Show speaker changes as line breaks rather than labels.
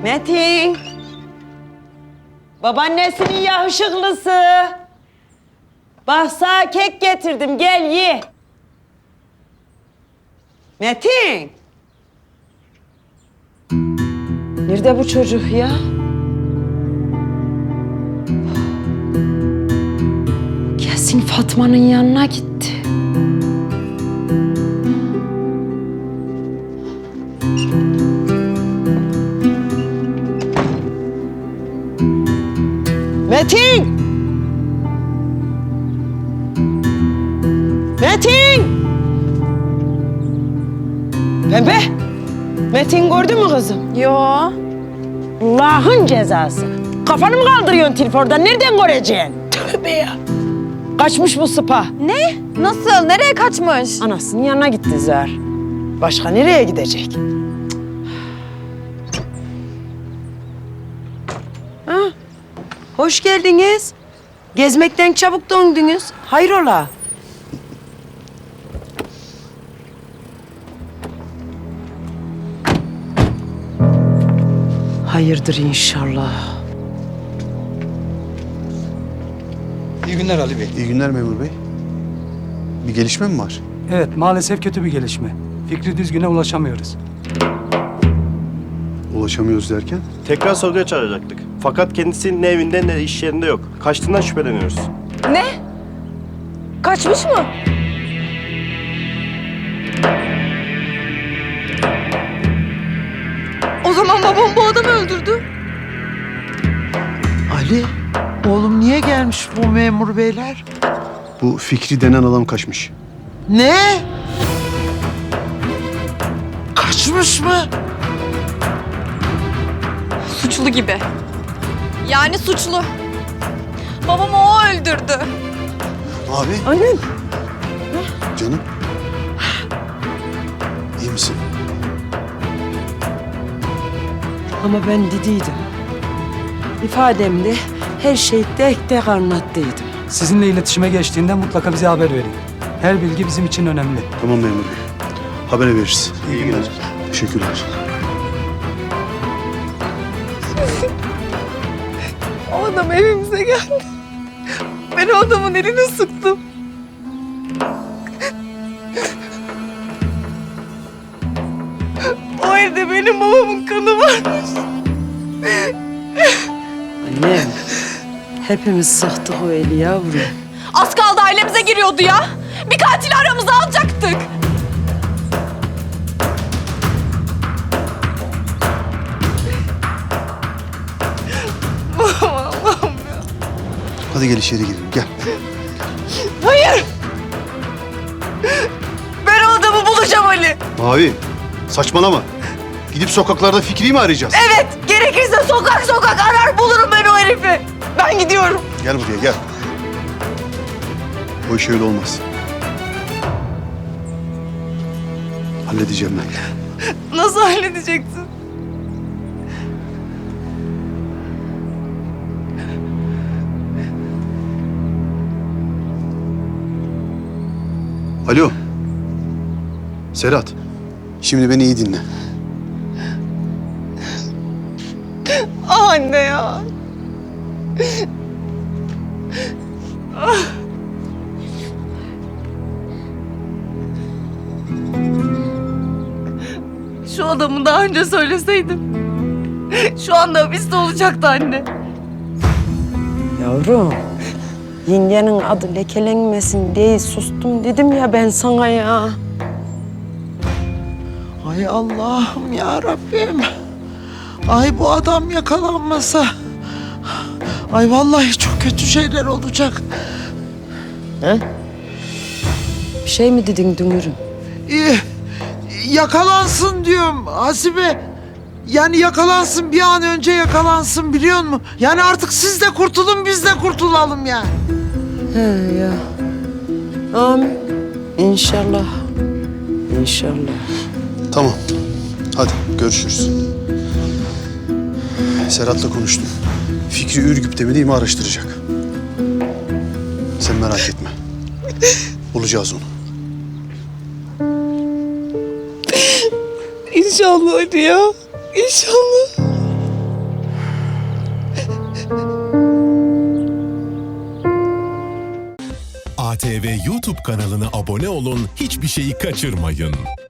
Metin. Babaannesinin yakışıklısı. Bak sana kek getirdim, gel ye. Metin. Nerede bu çocuk ya? Kesin Fatma'nın yanına gitti. Metin! Metin! Pembe! Metin gördün mü kızım?
Yo.
Allah'ın cezası. Kafanı mı kaldırıyorsun telefondan? Nereden göreceksin? Tövbe ya. Kaçmış bu sıpa.
Ne? Nasıl? Nereye kaçmış?
Anasının yanına gitti Zahar. Başka nereye gidecek? Ha? Hoş geldiniz. Gezmekten çabuk döndünüz. Hayrola? Hayırdır inşallah.
İyi günler Ali Bey.
İyi günler memur bey. Bir gelişme mi var?
Evet, maalesef kötü bir gelişme. Fikri Düzgün'e ulaşamıyoruz.
Ulaşamıyoruz derken?
Tekrar sorguya çağıracaktık. Fakat kendisi ne evinde ne iş yerinde yok. Kaçtığından şüpheleniyoruz.
Ne? Kaçmış mı? O zaman babam bu adamı öldürdü.
Ali, oğlum niye gelmiş bu memur beyler?
Bu Fikri denen adam kaçmış.
Ne? Kaçmış mı?
Suçlu gibi. Yani suçlu. Babamı o öldürdü.
Abi,
Annem.
canım. İyi misin?
Ama ben dediydim. İfademde her şeyi tek tek anlattıydım.
Sizinle iletişime geçtiğinde mutlaka bize haber verin. Her bilgi bizim için önemli.
Tamam memur bey. Haber veririz.
İyi günler.
Teşekkürler.
O adam evimize geldi. Ben o adamın elini sıktım. O evde benim babamın kanı varmış.
Annem. Hepimiz sıktık o eli yavrum.
Az kaldı ailemize giriyordu ya. Bir katili aramıza alacaktık.
Hadi gel içeri girelim. Gel.
Hayır. Ben o adamı bulacağım Ali.
Mavi, saçmalama. Gidip sokaklarda Fikri'yi mi arayacağız?
Evet, gerekirse sokak sokak arar bulurum ben o herifi. Ben gidiyorum.
Gel buraya, gel. O iş öyle olmaz. Halledeceğim ben.
Nasıl halledeceksin?
Alo. Serhat. Şimdi beni iyi dinle.
Ah anne ya. Şu adamı daha önce söyleseydim. Şu anda hapiste olacaktı anne.
Yavrum. Yengenin adı lekelenmesin diye sustum dedim ya ben sana ya.
Ay Allah'ım ya Rabbim. Ay bu adam yakalanmasa. Ay vallahi çok kötü şeyler olacak.
Bir şey mi dedin Dünür'üm?
Yakalansın diyorum Hasibe. Yani yakalansın, bir an önce yakalansın, biliyor musun? Yani artık siz de kurtulun, biz de kurtulalım yani.
He ya. Amin. İnşallah. İnşallah.
Tamam. Hadi görüşürüz. Serhat'la konuştum. Fikri Ürgüp'te mi değil mi araştıracak. Sen merak etme. Bulacağız onu.
İnşallah Ali ya. İnşallah.
TV YouTube kanalına abone olun, hiçbir şeyi kaçırmayın.